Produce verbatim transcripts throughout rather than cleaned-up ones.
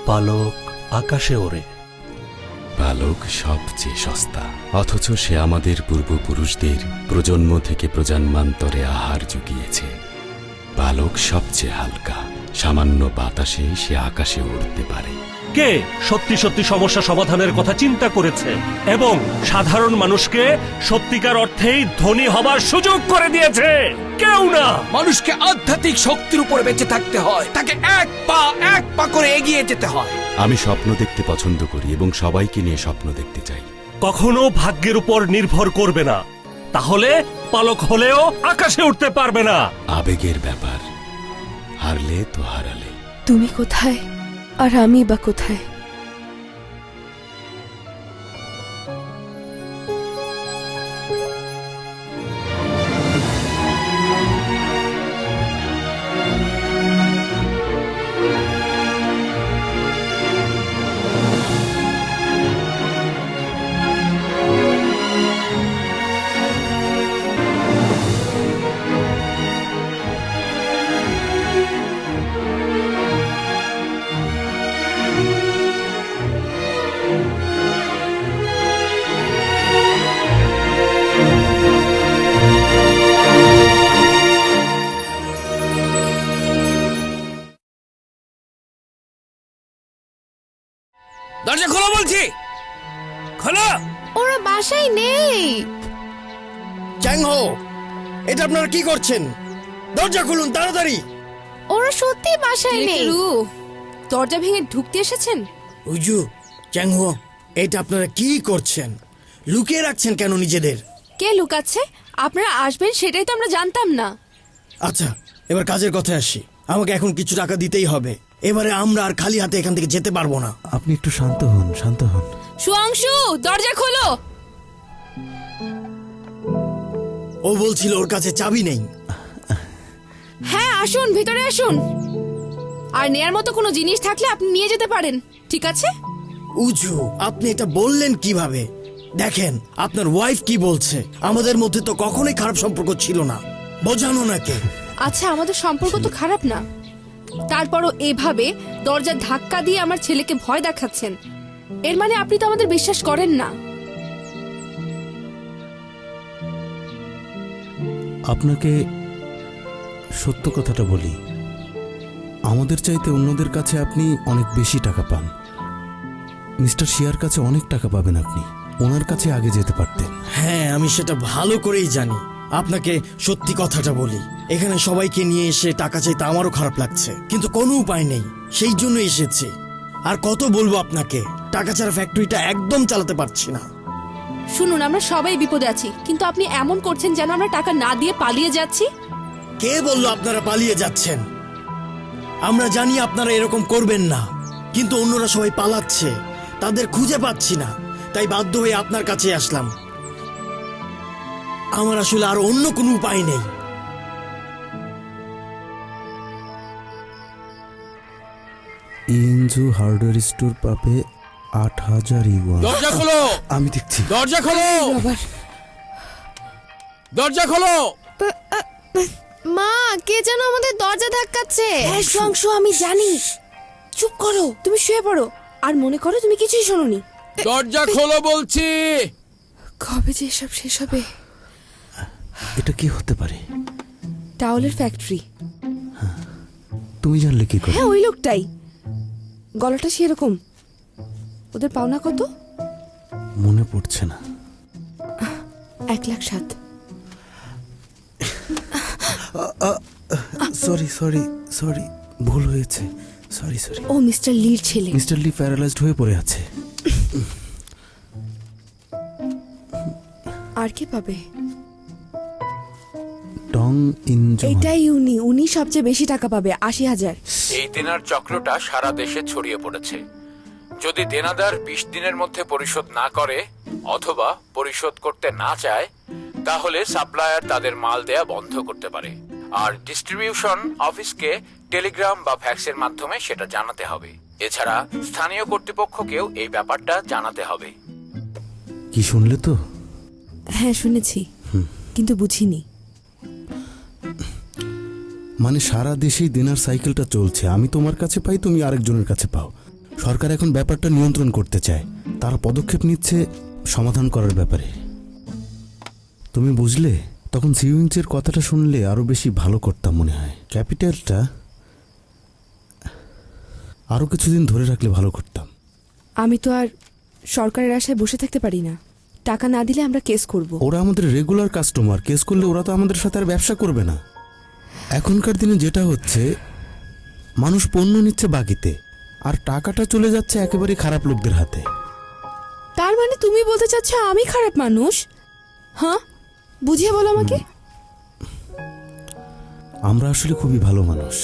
পালক আকাশে ওড়ে। পালক সবচেয়ে সস্তা, অথচ সে আমাদের পূর্বপুরুষদের প্রজন্ম থেকে প্রজন্মান্তরে আহার জুগিয়েছে। পালক সবচেয়ে হালকা, সামান্য বাতাসে সে আকাশে উড়তে পারে। কে সত্যি সত্যি সমস্যা সমাধানের কথা চিন্তা করেছে এবং সাধারণ মানুষকে সত্যিকার অর্থেই ধনী হবার সুযোগ করে দিয়েছে? কেউ না। মানুষকে আধ্যাত্মিক শক্তির উপরে বেঁচে থাকতে হয়, তাকে এক পা এক পা করে এগিয়ে যেতে হয়। আমি স্বপ্ন দেখতে পছন্দ করি এবং সবাইকে নিয়ে স্বপ্ন দেখতে চাই। কখনো ভাগ্যের উপর নির্ভর করবে না, তাহলে পালক হলেও আকাশে উঠতে পারবে না। আবেগের ব্যাপার, হারলে তো হারালে। তুমি কোথায় আর আমি বা কোথায়? দরজা খোলো বলছি, খোলো। ওরা বাসায় নেই। চ্যাংহো, এটা আপনারা কি করছেন? দরজা খুলুন তাড়াতাড়ি। ওরা সত্যি বাসায় নেই। দরজা ভেঙে ঢুকতে এসেছেন? উজু, চ্যাংহো, এটা আপনারা কি করছেন? লুকিয়ে রাখছেন কেন নিজেদের? কে লুকাচ্ছে? আপনারা আসবেন সেটাই তো আমরা জানতাম না। আচ্ছা, এবার কাজের কথায় আসি। আমাকে এখন কিছু টাকা দিতেই হবে। এবারে আমরা আর খালি হাতে এখান থেকে যেতে পারবো না। আপনি একটু শান্ত হন, শান্ত হন। সুয়াংশু, দরজা খোলো। ও বলছিল ওর কাছে চাবি নেই। হ্যাঁ, আসুন, ভিতরে আসুন। আর নেয়ার মতো কোনো জিনিস থাকলে আপনি নিয়ে যেতে পারেন, ঠিক আছে? উজু, আপনি এটা বললেন কিভাবে? দেখেন আপনার ওয়াইফ কি বলছে। আমাদের মধ্যে তো কখনোই খারাপ সম্পর্ক ছিল না, বোঝানো নাকি? আচ্ছা, আমাদের সম্পর্ক তো খারাপ না, তারপরও এভাবে দরজা ধাক্কা দিয়ে আমার ছেলেকে ভয় দেখাচ্ছেন। এর মানে আপনি তো আমাদের বিশ্বাস করেন না। আপনাকে সত্য কথাটা বলি, আমাদের চাইতে অন্যদের কাছে আপনি অনেক বেশি টাকা পান। মিস্টার শিয়ার কাছে অনেক টাকা পাবেন আপনি, ওনার কাছে আগে যেতে পারতেন। হ্যাঁ, আমি সেটা ভালো করেই জানি। আপনাকে সত্যি কথাটা বলি, এখানে সবাইকে নিয়ে এসে টাকা চাইতে আমারও খারাপ লাগছে, কিন্তু কোনো উপায় নেই, সেই জন্য এসেছি। আর কত বলবো আপনাকে, টাকা ছাড়া ফ্যাক্টরিটা একদম চালাতে পারছি না। শুনুন, আমরা সবাই বিপদে আছি, কিন্তু আপনি এমন করছেন যেন আমরা টাকা না দিয়ে পালিয়ে যাচ্ছি। কে বললো আপনারা পালিয়ে যাচ্ছেন? আমরা জানি আপনারা এরকম করবেন না, কিন্তু অন্যরা সবাই পালাচ্ছে, তাদের খুঁজে পাচ্ছি না, তাই বাধ্য হয়ে আপনার কাছে আসলাম। আমার আসলে আর অন্য কোনো উপায় নেই। ইনজু হার্ডওয়্যার স্টোর পাবে আট হাজার ইউয়ান। দরজা খোলো, আমি দেখছি। দরজা খোলো, দরজা খোলো। মা, কে যেন আমাদের দরজা ধাক্কাচ্ছে। হ্যাঁ সুয়াংশু, আমি জানি। চুপ করো, তুমি শুয়ে পড়ো আর মনে করো তুমি কিছুই শোনোনি। দরজা খোলো বলছি। কবে যে এসব শেষ হবে? এটা কি হতে পারে? টাওয়ালের ফ্যাক্টরি। তুমি জানলে কি করে? হ্যাঁ, ওই লোকটাই, গলাটা সেরকম। ওদের পাওনা কত? মনে পড়ছে না। এক লাখ সাত। সরি সরি সরি, ভুল হয়েছে। Sorry sorry. ও মিস্টার লির ছেলে। মিস্টার লি প্যারালাইজড হয়ে পড়ে আছে। আর কে পাবে? টং ইনজু। এটাই উনি, উনি সবচেয়ে বেশি টাকা পাবে, আশি হাজার। এই দেনার চক্রটা সারা দেশে ছড়িয়ে পড়েছে। যদি দেনাদার বিশ দিনের মধ্যে পরিশোধ না করে অথবা পরিশোধ করতে না চায়, তাহলে সাপ্লায়ার তাদের মাল দেয়া বন্ধ করতে পারে, আর ডিস্ট্রিবিউশন অফিসকে টেলিগ্রাম বা ফ্যাক্সের মাধ্যমে সেটা জানাতে হবে। এছাড়া স্থানীয় কর্তৃপক্ষকেও এই ব্যাপারটা জানাতে হবে। কি শুনলে তো? হ্যাঁ শুনেছি, কিন্তু বুঝিনি। মানে সারা দেশেই দিনার সাইকেলটা চলছে, আমি তোমার কাছে পাই, তুমি আরেকজনের কাছে পাও। সরকার এখন ব্যাপারটা নিয়ন্ত্রণ করতে চায়, তারা পদক্ষেপ নিচ্ছে সমাধান করার ব্যাপারে। তুমি বুঝলে, তখন সিউইংসের কথাটা শুনলে আরো বেশি ভালো করতাম মনে হয়। ক্যাপিটালটা আরো কিছুদিন ধরে রাখলে ভালো করতাম। আমি তো আর সরকারের আশায় বসে থাকতে পারি না। টাকা না দিলে আমরা কেস করব। ওরা আমাদের রেগুলার কাস্টমার, কেস করলে ওরা তো আমাদের সাথে আর ব্যবসা করবে না। এখনকার দিনে যেটা হচ্ছে, মানুষ পণ্য নিচ্ছে বাকিতে, আর টাকাটা চলে যাচ্ছে একেবারে খারাপ লোকদের হাতে। তার মানে তুমি বলতে চাচ্ছ আমি খারাপ মানুষ? হ্যাঁ, বুঝিয়ে বলো আমাকে। আমরা আসলে খুবই ভালো মানুষ।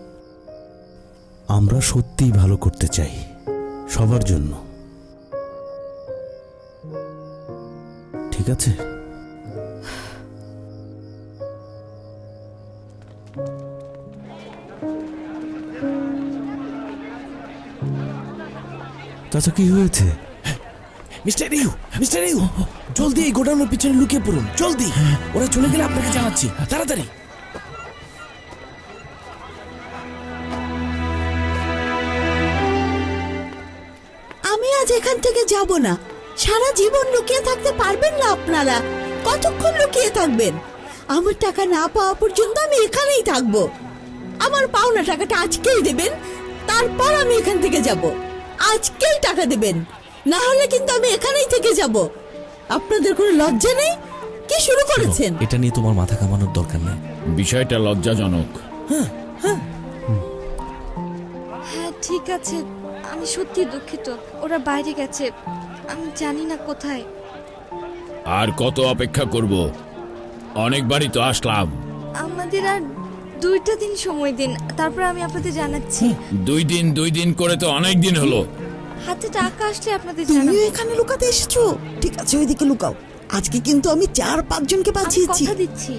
আমরা সত্যিই ভালো করতে চাই, সবার জন্য। ঠিক আছে? চাচা, কি হয়েছে? মিস্টার ইউ, মিস্টার ইউ, জলদি এই গোডাউনের পিছনে লুকিয়ে পড়ুন, জলদি। ওরা চলে গেলে আপনাকে জানাচ্ছি, তাড়াতাড়ি। আমি আজ এখান থেকে যাব না। সারা জীবন লুকিয়ে থাকতে পারবেন না আপনারা। কতক্ষণ লুকিয়ে থাকবেন? আমার টাকা না পাওয়া পর্যন্ত আমি এখানেই থাকবো। আমার পাওনা টাকাটা আজকেই দেবেন, তারপর আমি এখান থেকে যাব। আজকেই টাকা দেবেন, না হলে কিন্তু আমি এখানেই থেকে যাব। আপনাদের কোনো লজ্জা নেই? কি শুরু করেছেন? এটা নিয়ে তোমার মাথা কামানোর দরকার নেই। বিষয়টা লজ্জাজনক। হ্যাঁ ঠিক আছে, আমি সত্যি দুঃখিত। ওরা বাইরে গেছে, আমি জানি না কোথায়। আর কত অপেক্ষা করব? অনেকবারই তো আসলাম। আমাদের আর দুইটা দিন সময় দিন, তারপর আমি আপনাদের জানাচ্ছি। দুই দিন দুই দিন করে তো অনেক দিন হলো। হাতে টাকা আসলে আপনাদের তুমিও জানাবো। এখানে লুকাতে এসেছো? ঠিক আছে, ওইদিকে লুকাও। আজকে কিন্তু আমি চার পাঁচ জনকে আমি বাঁচিয়েছি। কথা দিচ্ছি।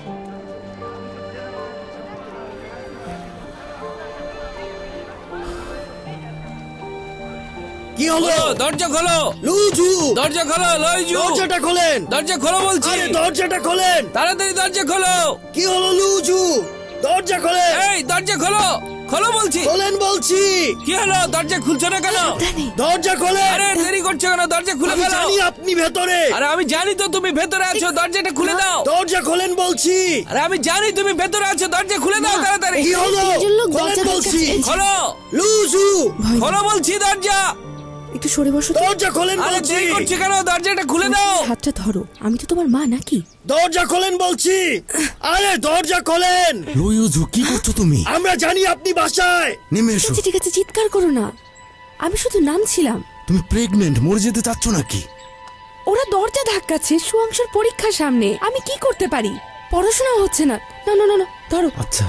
কি হলো? দরজা খোলো, লুজু, দরজা খোলো, লইজু, দরজাটা খোলেন। দরজা খোলো বলছি। আরে দরজাটা খোলেন। তাড়াতাড়ি দরজা খোলো। কি হলো লুজু? দরজা খোলেন। এই দরজা খোলো, খোলো বলছি। খোলেন বলছি। কি হলো, দরজা খুলছো না কেন? দরজা খোলেন। আরে দেরি করছো কেন? দরজা খুলে আমি ফেলো। জানি আপনি ভেতরে। আরে আমি জানি তো তুমি ভেতরে আছো, দরজাটা খুলে দাও। দরজা খোলেন বলছি। আরে আমি জানি তুমি ভেতরে আছো, দরজা খুলে দাও তাড়াতাড়ি। কি হলো? তিনজন লোক খোলেন দরজা বলছি। ধাক্কাচ্ছে। খোলো, লুজু, খোলো বলছি দরজা। একটু সরে বসো তো। দরজা খোলেন আরে বলছি। দেরি করছো কেন? দরজাটা খুলে দাও। হাতটা ধরো, আমি তো তোমার মা নাকি? দরজা খোলেন বলছি। আরে দরজা খোলেন। লুইজু, কি করছো তুমি? আমরা জানি আপনি বাসায়। নেমে ঠিক এসো। আছে ঠিক আছে, চিৎকার করো না। আমি শুধু নামছিলাম। তুমি প্রেগনেন্ট, মরে যেতে চাচ্ছ নাকি? ওরা দরজা ধাক্কাচ্ছে, সুয়াংশের পরীক্ষা সামনে। আমি কি করতে পারি? পড়াশোনা হচ্ছে না। না না না না, ধরো। আচ্ছা,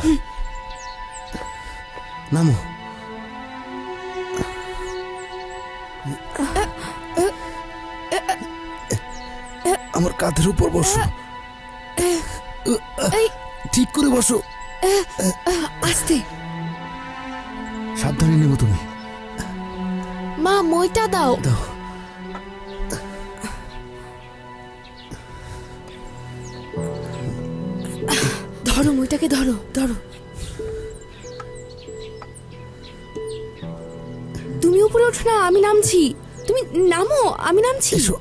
নামো। আমার কাঁধের উপর বসো। এই ঠিক করে বসো। আস্তে। সাবধানে নেবো তুমি। মা মইটা দাও। দাও। ধরো মইটাকে, ধরো ধরো। তুমি উপরে ওঠো না, আমি নামছি। তুমি নামো, আমি নামছি। এসো।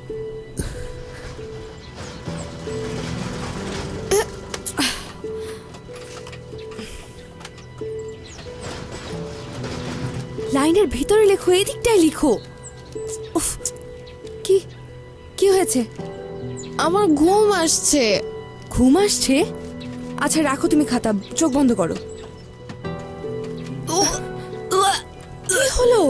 লাইনের ভিতরে লেখো, এদিকটায় লিখো। উফ, কি কি হয়েছে? আমার ঘুম আসছে। ঘুম আসছে? আচ্ছা রাখো তুমি খাতা, চোখ বন্ধ করো। কি হলো?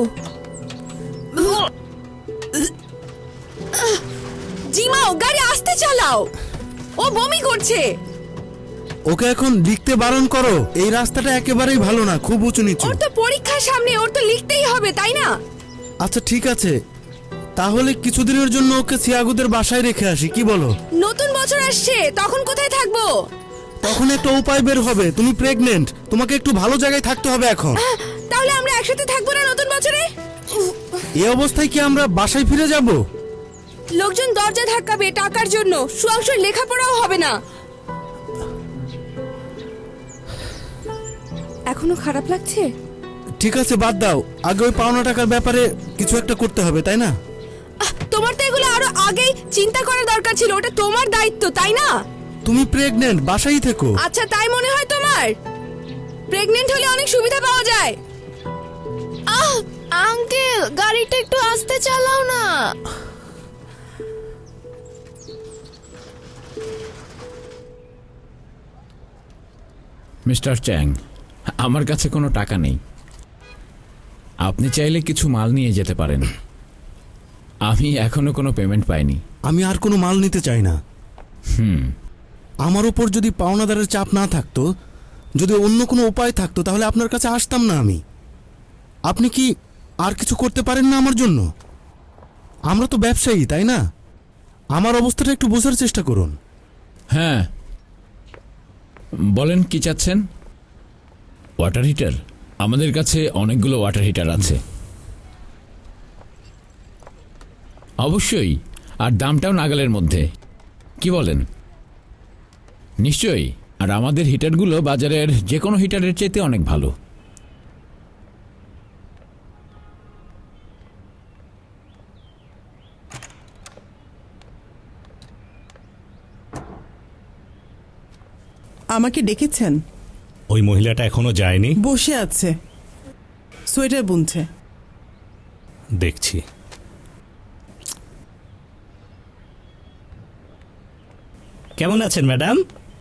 জিমাও, গাড়ি আস্তে চালাও। ও বমি করছে। ওকে এখন লিখতে বারণ করো। এই রাস্তাটা একেবারেই ভালো না, খুব উঁচু নিচু। ওর তো পরীক্ষার সামনে, ওর তো লিখতেই হবে, তাই না? আচ্ছা ঠিক আছে, তাহলে কিছুদিনের জন্য ওকে সিয়াগুদের বাসায় রেখে আসি, কি বলো? নতুন বছর আসছে, তখন কোথায় থাকবো? তখন একটা উপায় বের হবে। তুমি প্রেগনেন্ট, তোমাকে একটু ভালো জায়গায় থাকতে হবে এখন। তাহলে আমরা একসাথে থাকবো না নতুন বছরে? এই অবস্থায় কি আমরা বাসায় ফিরে যাব? লোকজন দরজা ধাক্কাবে টাকার জন্য, সুয়াংশের লেখাপড়াও হবে না। এখনো খারাপ লাগছে? ঠিক আছে বাদ দাও, আগে ওই পাওনা টাকার ব্যাপারে কিছু একটা করতে হবে, তাই না? আহ, তোমার তো এগুলো আরো আগেই চিন্তা করার দরকার ছিল, ওটা তোমার দায়িত্ব তাই না? তুমি প্রেগনেন্ট, বাসায় থেকো। আচ্ছা তাই মনে হয় তোমার? প্রেগনেন্ট হলে অনেক সুবিধা পাওয়া যায়। আহ আঙ্কেল, গাড়িটা একটু আস্তে চালাও না। মিস্টার চ্যাং, আমার কাছে কোনো টাকা নেই। আপনি চাইলে কিছু মাল নিয়ে যেতে পারেন। আমি এখনো কোনো পেমেন্ট পাইনি। আমি আর কোনো মাল নিতে চাই না। হুম আমার উপর যদি পাওনাদারের চাপ না থাকতো, যদি অন্য কোনো উপায় থাকতো, তাহলে আপনার কাছে আসতাম না আমি। আপনি কি আর কিছু করতে পারেন না আমার জন্য? আমরা তো ব্যবসায়ী, তাই না? আমার অবস্থাটা একটু বোঝার চেষ্টা করুন। হ্যাঁ, বলেন কি চাচ্ছেন? Water heater? আমাদের কাছে অনেকগুলো ওয়াটার হিটার আছে। অবশ্যই, আর দামটাও নাগালের মধ্যে। কি বলেন? নিশ্চয়ই, আর আমাদের হিটারগুলো বাজারের যে কোনো হিটারের চাইতে অনেক ভালো। আমাকে ডেকেছেন? ওই মহিলাটা এখনো যায়নি, বসে আছে, সোয়েটার বুনছে। দেখছি। কেমন আছেন ম্যাডাম?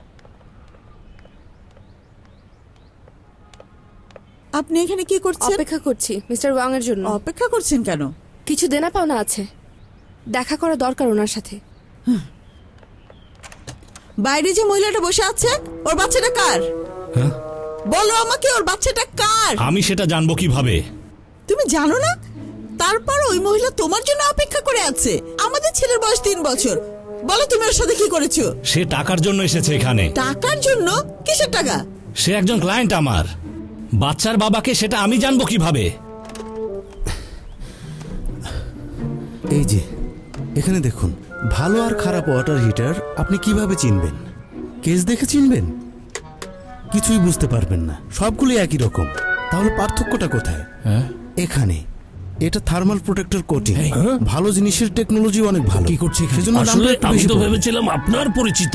আপনি এখানে কি করছেন? অপেক্ষা করছি মিস্টার ওয়াং এর জন্য। অপেক্ষা করছেন কেন? কিছু দেনা পাওনা আছে, দেখা করা দরকার ওনার সাথে। বাইরে যে মহিলাটা বসে আছে, ওর বাচ্চাটা কার? বলো আমাকে, ওর বাচ্চাটা কার? আমি সেটা জানবো কিভাবে? তুমি জানো না? তারপর ওই মহিলা তোমার জন্য অপেক্ষা করে আছে। আমাদের ছেলের বয়স তিন বছর। বলো তুমি ওর সাথে কি করেছো? সে টাকার জন্য এসেছে এখানে। টাকার জন্য? কিসের টাকা? সে একজন ক্লায়েন্ট আমার। বাচ্চার বাবাকে সেটা আমি জানবো কিভাবে? এই যে এখানে দেখুন, ভালো আর খারাপ ওয়াটার হিটার আপনি কিভাবে চিনবেন? কেস দেখে চিনবেন? কিছুই বুঝতে পারবেন না, সবগুলো একই রকম। তাহলে পার্থক্যটা কোথায়? হ্যাঁ, এখানে এটা থার্মাল প্রোটেক্টর কোটিং। ভালো জিনিসের টেকনোলজি অনেক ভালো। কি করছে এখানে? সেজন্য দামটা একটু বেশি পড়বে। ভেবেছিলাম আপনার পরিচিত।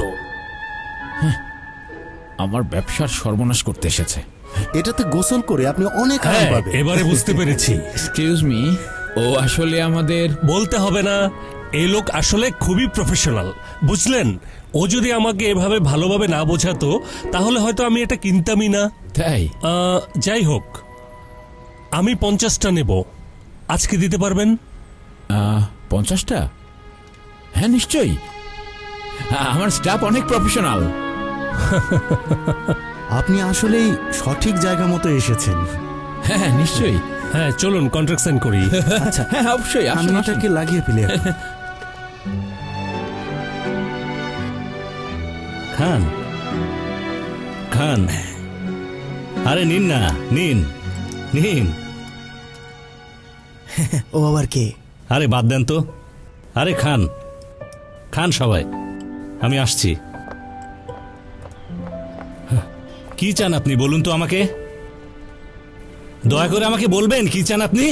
আমার ব্যবসার সর্বনাশ করতে এসেছে। এটাতে গোসল করে আপনি অনেক আরাম পাবেন। এবারে বুঝতে পেরেছি। এক্সকিউজ মি, ও আসলে আমাদের... বলতে হবে না, এই লোক আসলে খুবই প্রফেশনাল, বুঝলেন? ও যদি আমাকে এভাবে ভালোভাবে না বোঝাতো, তাহলে হয়তো আমি এটা কিনতামই না। তাই? আহ, যাই হোক, আমি পঞ্চাশটা নেব। আজকে দিতে পারবেন? আহ, পঞ্চাশটা? হ্যাঁ নিশ্চয়ই, আমার স্টাফ অনেক প্রফেশনাল। আপনি আসলেই সঠিক জায়গা মতো এসেছেন। হ্যাঁ নিশ্চয়ই। হ্যাঁ চলুন কন্ট্রাক্ট সাইন করি। আচ্ছা হ্যাঁ অবশ্যই, আমি আসুন, আসুন। এটাকে লাগিয়ে ফেলি এখন। খান খান, আরে নিন না, নিন নিন। ও আবার কে? আরে বাদ দেন তো। আরে খান খান সবাই, আমি আসছি। কি চান আপনি বলুন তো আমাকে? দয়া করে আমাকে বলবেন কি চান আপনি?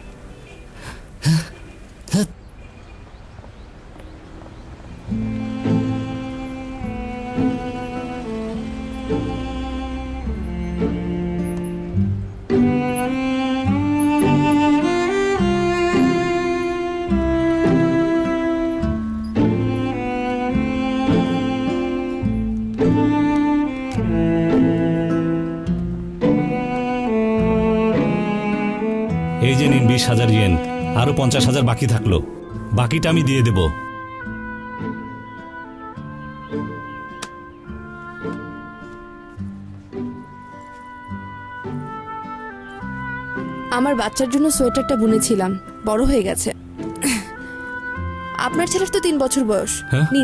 এই যে নিন বিশ হাজার ইয়েন, আরো পঞ্চাশ হাজার বাকি থাকলো, বাকিটা আমি দিয়ে দেব। আমার বাচ্চার জন্য সোয়েটারটা বুনেছিলাম, বড় হয়ে গেছে। আপনার ছেলের তো তিন বছর বয়স। হ্যাঁ? নিন।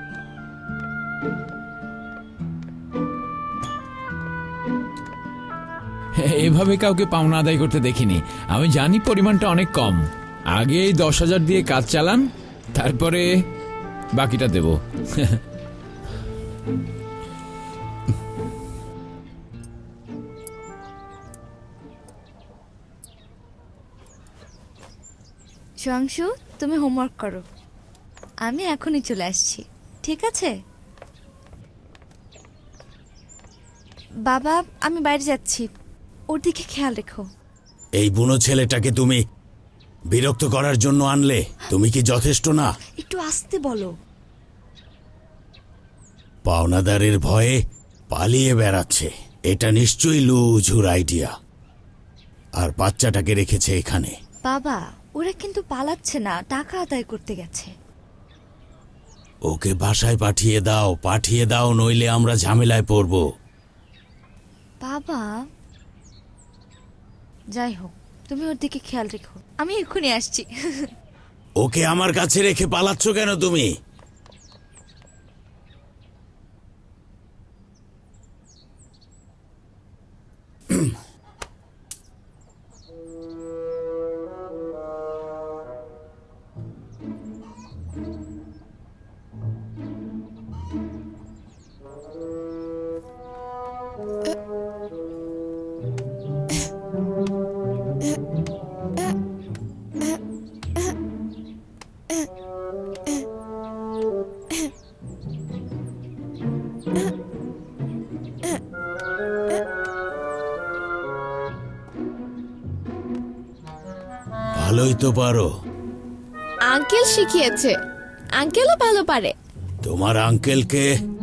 এভাবে কাউকে পাওনা আদায় করতে দেখিনি। আমি জানি পরিমাণটা অনেক কম। আগে এই দশ হাজার দিয়ে কাজ চালান, তারপরে বাকিটা দেব। সোয়াংশু, তুমি হোমওয়ার্ক করো, আমি এখনই চলে আসছি, ঠিক আছে? বাবা, আমি বাইরে যাচ্ছি, ওর দিকে খেয়াল রেখো। এই বুনো ছেলেটাকে তুমি বিরক্ত করার জন্য আনলে? তুমি কি যথেষ্ট না? একটু আস্তে বলো। পাওনাদারের ভয়ে পালিয়ে বেড়াচ্ছে, এটা নিশ্চয়ই লুঝুর আইডিয়া। আর বাচ্চাটাকে রেখেছে এখানে। বাবা, ওরা কিন্তু পালাচ্ছে না, টাকা আদায় করতে গেছে। ওকে বাসায় পাঠিয়ে দাও, পাঠিয়ে দাও, নইলে আমরা ঝামেলায় পড়ব। বাবা, যাই হোক, তুমি ওর দিকে খেয়াল রেখো, আমি এক্ষুনি আসছি। ওকে আমার কাছে রেখে পালাচ্ছ কেন তুমি? ভালোই তো পারো। আঙ্কেল শিখিয়েছে, আঙ্কেলও ভালো পারে। তোমার আঙ্কেলকে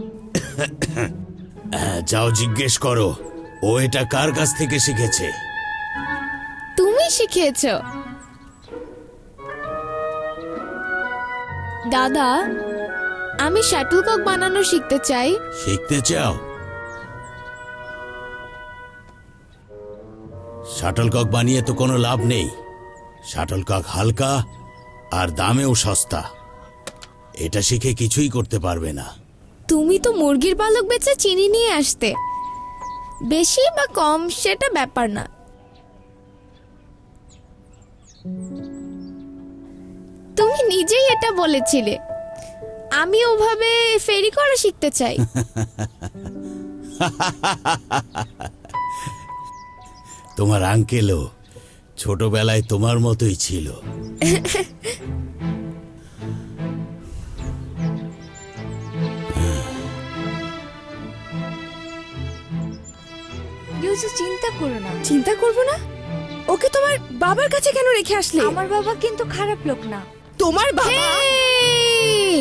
যাও জিজ্ঞেস করো, ও এটা কার কাছ থেকে শিখেছে। তুমি শিখিয়েছো। দাদা, আমি শাটলকক বানানো শিখতে চাই। শিখতে চাও? শাটলকক বানিয়ে তো কোনো লাভ নেই। শাটলকক হালকা আর দামেও সস্তা, এটা শিখে কিছুই করতে পারবে না। তুমি তো মুরগির পালক বেচে চিনি নিয়ে আসতে, বেশি বা কম সেটা ব্যাপার না। তুমি নিজেই এটা বলেছিলে। আমি ওভাবে ফেরি করা শিখতে চাই। তোমার আঙ্কেলও ছোটবেলায় তোমার মতোই ছিল। ইউসু, চিন্তা করো না। চিন্তা করবো না? ওকে তোমার বাবার কাছে কেন রেখে আসলে? আমার বাবা কিন্তু খারাপ লোক না। তোমার বাবা? হেই!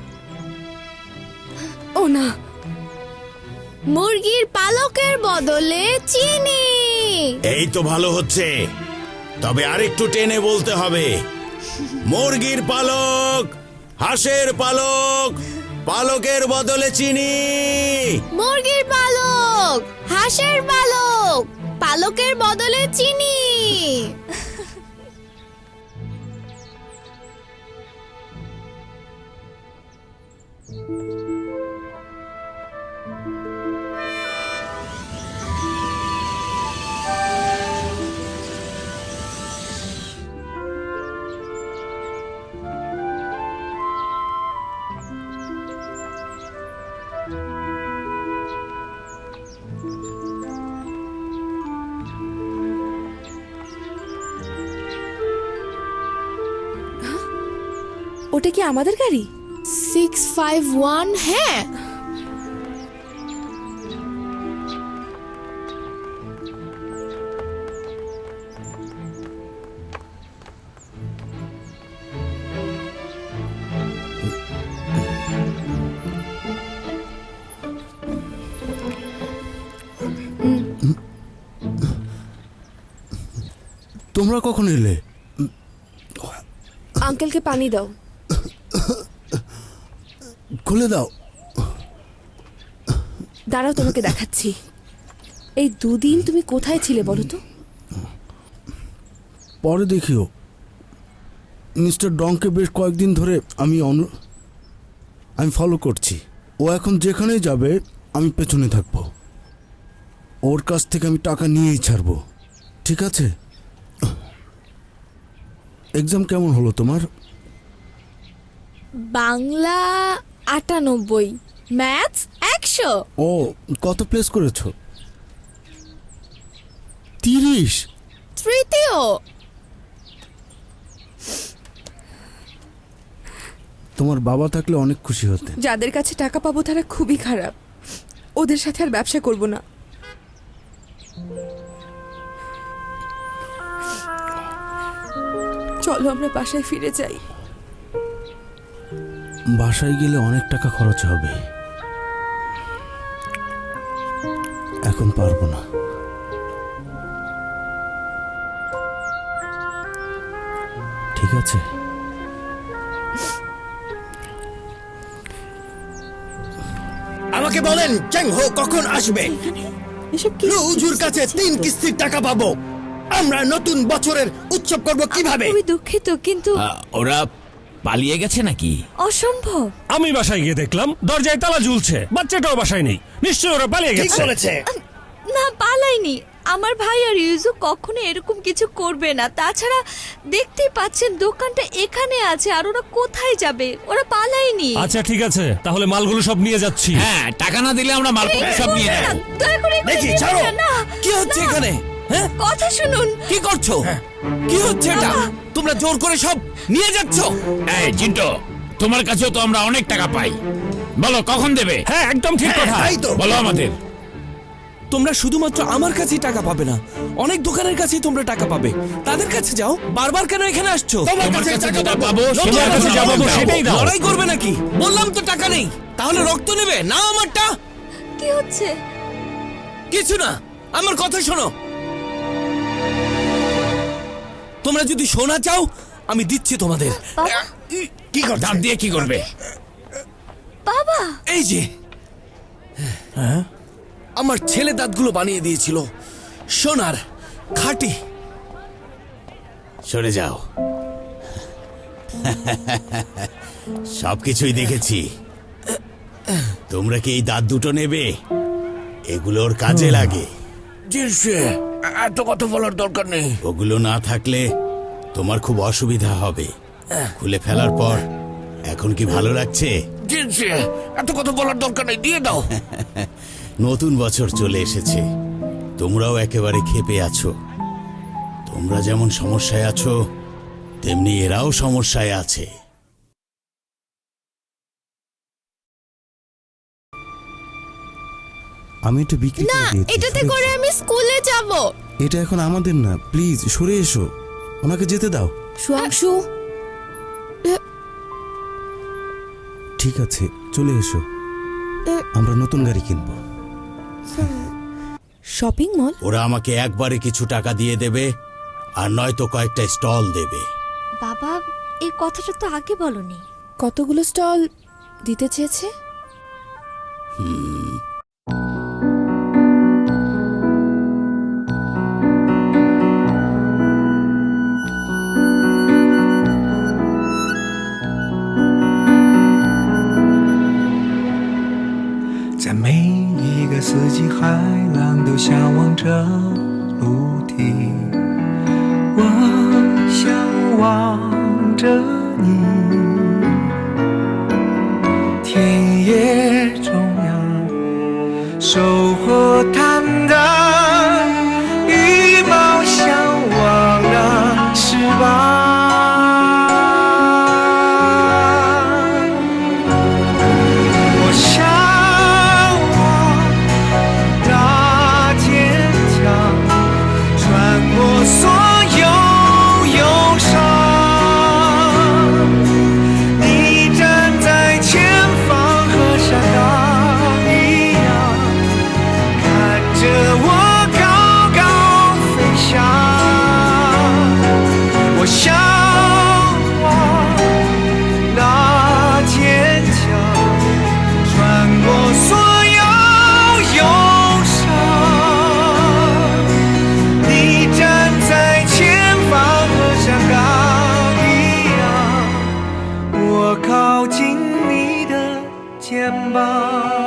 ও না, মুরগির পালকের বদলে চিনি। এই তো ভালো হচ্ছে, তবে আরেকটু টেনে বলতে হবে। মুরগির পালক, হাঁসের পালক, পালকের বদলে চিনি। মুরগির পালক, হাঁসের পালক, পালকের বদলে চিনি। ওটা কি আমাদের গাড়ি? Six five one. হ্যাঁ, তোমরা কখন এলে? আঙ্কেলকে পানি দাও। খুলে দাও। দাঁড়াও, তোমাকে দেখাচ্ছি। এই দুদিন তুমি কোথায় ছিলে বলো তো? পরে দেখিও। মিস্টার ডংকে বেশ কয়েকদিন ধরে আমি অনু আমি ফলো করছি। ও এখন যেখানেই যাবে আমি পেছনে থাকবো। ওর কাছ থেকে আমি টাকা নিয়েই ছাড়বো, ঠিক আছে? এক্সাম কেমন হলো তোমার? বাংলা আটানব্বই, ম্যাথস একশো। ও, কত প্লেস করেছো? তিরিশ। তৃতীয়। তোমার বাবা থাকলে অনেক খুশি হতেন। যাদের কাছে টাকা পাবো তারা খুবই খারাপ, ওদের সাথে আর ব্যবসা করব না। চলো আমরা বাসায় ফিরে যাই। বাসায় গেলে অনেক টাকা খরচ হবে, এখন পারবো না। ঠিক আছে, আমাকে বলেন চ্যাং হো কখন আসবে? এসব কি লুজুর কাছে তিন কিস্তির টাকা পাবো। আমরা নতুন বছরের উৎসব করব কিভাবে? খুবই দুঃখিত, কিন্তু ওরা পালিয়ে গেছে নাকি? অসম্ভব। আমি বাসায় গিয়ে দেখলাম দরজায় তালা ঝুলছে, বাচ্চাটাও বাসায় নেই। নিশ্চয়ই ওরা পালিয়ে ঠিক গেছে। বলেছে। না, পালাইনি। আমার ভাই আর ইউজু কখনো এরকম কিছু করবে না। তাছাড়া দেখতেই পাচ্ছেন দোকানটা এখানে আছে, আর ওরা কোথায় যাবে? ওরা পালায়নি। আচ্ছা ঠিক আছে, তাহলে মালগুলো সব নিয়ে যাচ্ছি। হ্যাঁ, টাকা না দিলে আমরা মালপত্র সব নিয়ে না, নেব। দয়া করে এগুলো দেখি, নেবেন ছাড়ো। না, না। কি হচ্ছে এখানে? হ্যাঁ, কথা শুনুন। কি করছো? কি হচ্ছে এটা? তোমরা জোর করে সব নিয়ে যাচ্ছ? এই চিন্টু, তোমার কাছেও তো আমরা অনেক টাকা পাই, বলো কখন দেবে? হ্যাঁ একদম ঠিক কথা। তাই তো। বলো আমাদের। তোমরা শুধুমাত্র আমার কাছেই টাকা পাবে না, অনেক দোকানের কাছেই তোমরা টাকা পাবে। তাদের কাছে যাও। বারবার কেন এখানে আসছো? তোমার তোমার কাছে কাছে টাকা যেটা পাবো। পাবো তোমার সেটার কাছে কাছে যা যাবো পাবো সেটাই দাও। লড়াই করবে নাকি? বললাম তো টাকা নেই, তাহলে রক্ত নেবে না আমারটা? কি হচ্ছে? কিছু না, আমার কথা শোনো। তোমরা যদি সোনা চাও আমি দিচ্ছি তোমাদের। বাবা, কি করছে? দাঁত দিয়ে কি করবে? বাবা, এই যে আমার ছেলে দাঁতগুলো বানিয়ে দিয়েছিল, সোনার খাঁটি। সরে যাও। সবকিছুই দেখেছি। তোমরা কি এই দাঁত দুটো নেবে? এগুলোর কাজে লাগে। এত কথা বলার দরকার নেই। ওগুলো না থাকলে তোমার খুব অসুবিধা হবে। খুলে ফেলার পর এখন কি ভালো লাগছে? এত কথা বলার দরকার নেই, দিয়ে দাও। নতুন বছর চলে এসেছে, তোমরাও একেবারে ক্ষেপে আছো। তোমরা যেমন সমস্যায় আছো, তেমনি এরাও সমস্যায় আছে। আমি এটা বিক্রি না, করে দিয়েছি। এটাতে সরে করে এসো। আমি স্কুলে যাব। এটা এখন আমাদের না, প্লিজ সরে এসো, ওনাকে যেতে দাও। সুয়াংশু, ঠিক আছে, চলে এসো, আমরা নতুন গাড়ি কিনবো। Shopping mall? ওরা আমাকে একবারে কিছু টাকা দিয়ে দেবে, আর নয়তো কয়েকটা স্টল দেবে। বাবা, এই কথাটা তো আগে বলনি। কতগুলো স্টল দিতে চেয়েছে? হুম, 在每一个四季，海浪都向往着陆地。我向往着你，田野中央，收获坦荡，羽毛向往那翅膀。我向往那坚强，穿过所有忧伤。你站在前方，和山岗一样，看着我高高飞翔。我向往那坚强，穿过所有忧伤。你站在前方，和山岗一样，我靠近你的肩膀。